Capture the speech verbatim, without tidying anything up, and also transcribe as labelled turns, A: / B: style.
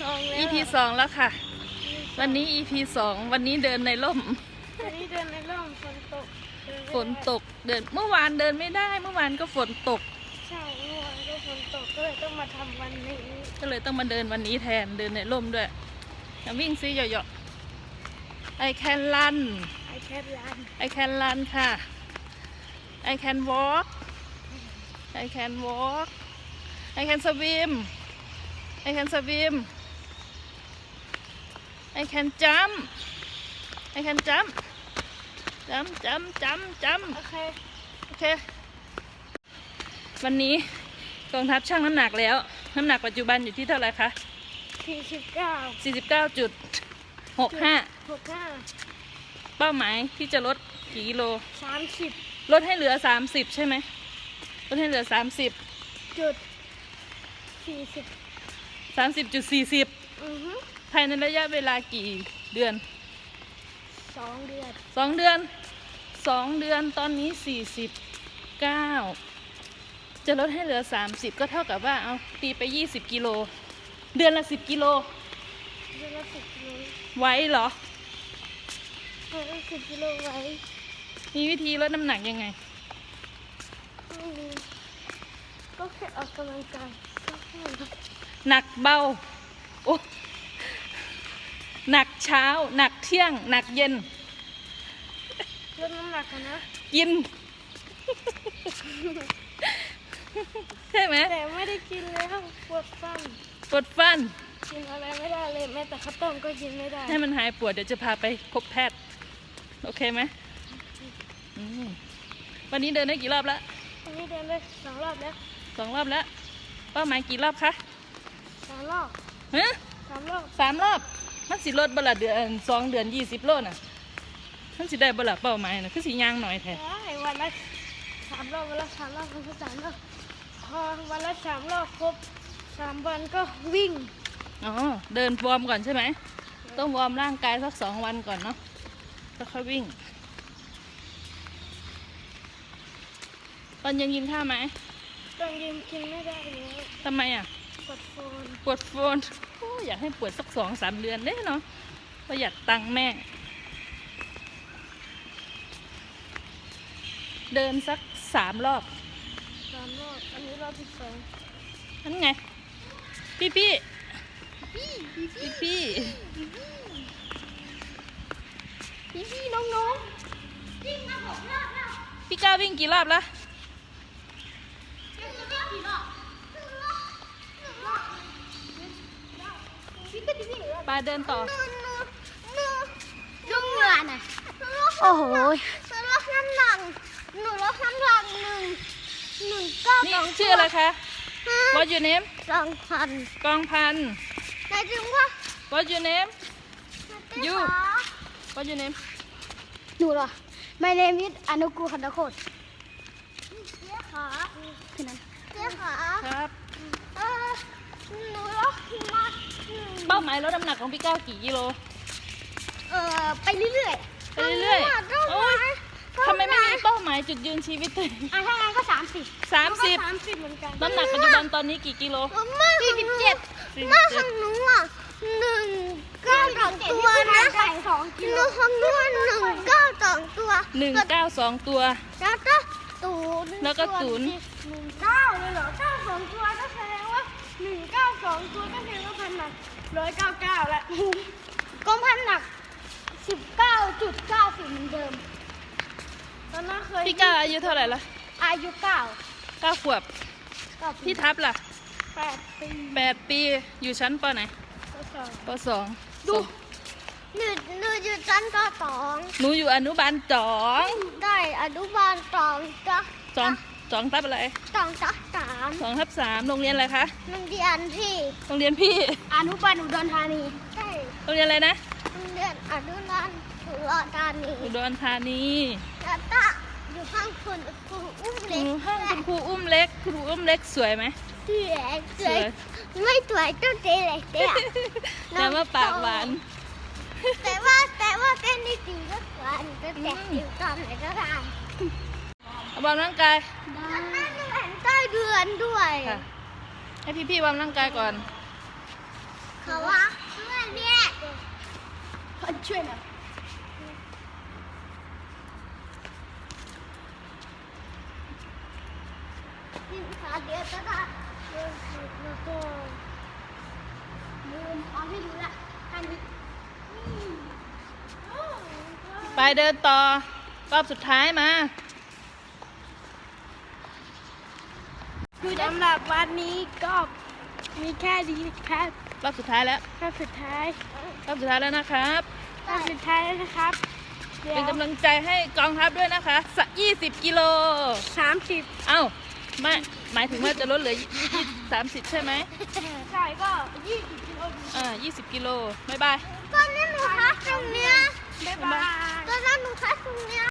A: สองแล้ว
B: อี พี สองแล้วค่ะ วันนี้ อี พี สองวันนี้เดินในร่ม
A: วันนี้เดินในร่มฝนตก
B: ฝนตกเดินเมื่อวานเดินไม่ได้เมื่อวานก็ฝนตก
A: ใช่เมื่อวานก็ฝนตกก็เลยต้องมาทำวันนี้
B: ก็เลยต้องมาเดินวันนี้แทนเดินในร่มด้วยอย่าวิ่งซิเหยาะๆ I can run
A: ไอแค่ร้าน
B: I can run ค่ะ I can walk I can walk I can swim I can swim I can jump I can jump jump jump jump jump
A: โอเค
B: โอเค วันนี้กองทัพชั่งน้ำหนักแล้ว น้ำหนักปัจจุบันอยู่ที่เท่าไหร่คะ
A: สี่สิบเก้า
B: สี่สิบเก้าจุดหกห้า
A: หกห้า
B: เป้าหมายที่จะลดกี่กิโล
A: สามสิบ
B: ลดให้เหลือสามสิบใช่ไหมลดให้เหลือสามสิบ
A: จุดสี่สิบ
B: สามสิบจุดสี่สิบ
A: อือฮึ
B: ภายในระยะเวลากี่เดือน
A: สองเดือน
B: สองเดือนสองเดือนตอนนี้สี่สิบเก้าจะลดให้เหลือสามสิบก็เท่ากับว่าเอาตีไปยี่สิบกิโลเดือนละสิบกิโล
A: เดือนละสิบกิโล
B: ไว้เหรอ
A: เดือนละสิบกิโลไว้
B: มีวิธีลดน้ำหนักยังไง
A: ไม่มีก็แค่ออกกำลังกายก็แค่นั้น
B: หนักเบาโอ้หนักเช้า หนักเที่ยง หนักเย็น
A: ลดน้ำหนักกันนะ
B: กิน ใช่ไหม
A: แต่ไม่ได้กินแล้วปวดฟัน
B: ปวดฟัน
A: กินอะไรไม่ได้เลยแม้แต่ข้าวต้มก็กินไม่ได้
B: ให้มันหายปวดเดี๋ยวจะพาไปพบแพทย์ โอเคไหมอืมวันนี้เดินได้กี่รอบแล้ว
A: วันนี้เดินได้สองรอบแล้ว
B: สองรอบแล้วเป้าหมายกี่รอบคะ
A: สามรอบ
B: ฮะ
A: สามรอบ
B: สามรอบมันสิลดบละเดือนสองเดือนยี่สิบโลน่ะมันสิได้บละเป้าหมายน่ะคือสิย่างหน่อยแท้
A: ได้วันละสามรอบวันละสามรอบวันละสามรอบพอวันละสามรอบครบสามวันก็วิ่ง
B: อ๋อเดินวอร์มก่อนใช่ไหมต้องวอร์มร่างกายสักสองวันก่อนเนาะแล้วค่อยวิ่งตอนเย็นกินข้าวไหม
A: ตอนเย็นกินไม่ได้แล้ว
B: ทำไมอ่ะ
A: ปวดโฟน
B: ปวดโฟนโอ้อยากให้ปวดสักสองสามเดือนได้เนาะประหยัดตังค์แม่ เดินสักสามรอบ
A: สามรอบอันนี้รอบที่สอง
B: นั่นไง พี่พี่พี่พี่
A: พี่พี่น้องน้องวิ่งมาหกรอบแล้ว
B: พี่ก้าววิ่งกี่รอบแล้ว
A: วิ่งมากี่รอบหนึ่งรอบหนึ่งรอบพี่ก็จะวิ่งรอบ
B: ปาเดินต่อ
A: ลุงเหงื่อน่ะโอ้โหหนูลดน้ำหนักหนูลดน้ำหนักหนึ่งหนึ่งเก้า
B: นี่
A: สอง
B: ชื่ออะไรคะ What your name
A: สองพัน
B: กองพัน
A: นายจึงว่า
B: What your name You What your name
A: หนูเหรอ My name is อนุกูลคันตะโคตเจ๊ขาคือนั้นเจ๊ขา
B: ครับ
A: เออหนูลดมา
B: เป้าหมายลดน้ำหนักของพี่ก้าวกี่กิโล
A: เออไปเรื่อยๆ
B: ไปเรื่อยๆ
A: ต้น
B: โอ๊ย ทำไมไม่มีเป้าหมายจุดยืนชีวิตตัวเอง
A: อ่ะถ้างั้นก็สามสิบ
B: สามสิบ
A: สามสิบเหมือนกัน
B: น้ำหนักปัจจุบันตอนนี้กี่กิโล
A: สี่สิบเจ็ด
B: สี่สิบ
A: แม่
B: เจ็
A: ข
B: ด
A: องหนูอ่ะหนึ่งเก้าสองตัวนะสองกิโลของหนูหนึ่งเก้าสองตัว
B: หนึ่งเก้าสองตัว
A: แล้วก็ตูน
B: แล้วก็ศูนย์
A: หนึ่งเก้าเลยเหรอเก้าสองตัวก็แสดงว่าหนึ่งเก้าสองตัวก็แสดงว่าพันหนักร้อยเก้าเก้าแล้วก็พันหนักสิบเก้าจุดเก้าสิบเหมือนเดิมตอนนั้นเคย
B: พี่ก้าวอายุเท่าไหร่ละ
A: อายุเก้า
B: เก้าขวบ
A: เก้า
B: พี่ทับล่ะ
A: แปดปี
B: แปดปีอยู่ชั้นปไหน
A: ก็สอง
B: ปสอง
A: ดูหนูหนูอยู่ชั้นก็สอง
B: หนูอยู่อนุบาลสอง
A: ได้อนุบาลสองจ้ะ
B: สองสองทับอะไร
A: สองจ้ะสาม
B: สองทับสามโรงเรียนอะไรคะ
A: โรงเรียนที่
B: โรงเรียนพี่
A: อนุบาลอุดรธานีใช่
B: โรงเรียนอะไรนะ
A: โรงเรียนอนุบาลอุดรธานี
B: อุดรธานี
A: แล้วก็อยู่ข้างคุณครูอุ้ม
B: อ
A: เล็ก
B: ยู่ห้องคุณครูอุ้มเล็กครูอุ้มเล็กสวยไหม
A: สวยสวยไม่สวยต้องเจ๊เลยเจ๊
B: แต่ว่าปากหวาน
A: แต่ว่าแต่ว่าเต้นได้จริงก็สวยก็แต่อยู่ตอนไหนก็ได้
B: เอาวอร์มร่างกาย
A: มันน่าจะเห็นใต้เดือนด้วย
B: ค่ะ ให้พี่ๆวอร์มร่างกายก่อน
A: เขาว่าช่วยหน่อยนี่ขาเดียวก็ได้แล้วก็ลืมเอาให้ดูละอันนี้นี่โอ้
B: ไปเดินต่อ รอบสุดท้ายมา
A: สำหรับวันนี้ก็มีแค่ดีครับ
B: รอบสุดท้ายแล้ว
A: รอบสุดท้าย
B: รอบสุดท้ายแล้วนะครับ
A: รอบสุดท้ายแล้วนะครับเดี๋ยว
B: เป็นกำลังใจให้กองทัพด้วยนะคะสักยี่สิบกิโล
A: สามสิบ
B: เอ้าไม่หมายถึงว่าจะลดเหลือสามสิบใช่ไหม
A: ใช่ก็ยี่สิบกิโล
B: อ่ายี่สิบกิโลบ๊ายบาย
A: ตอนนี้หนูคัดตรงเนี้ยบ๊ายบายตอนนั้นหนูคัดตรงเนี้ย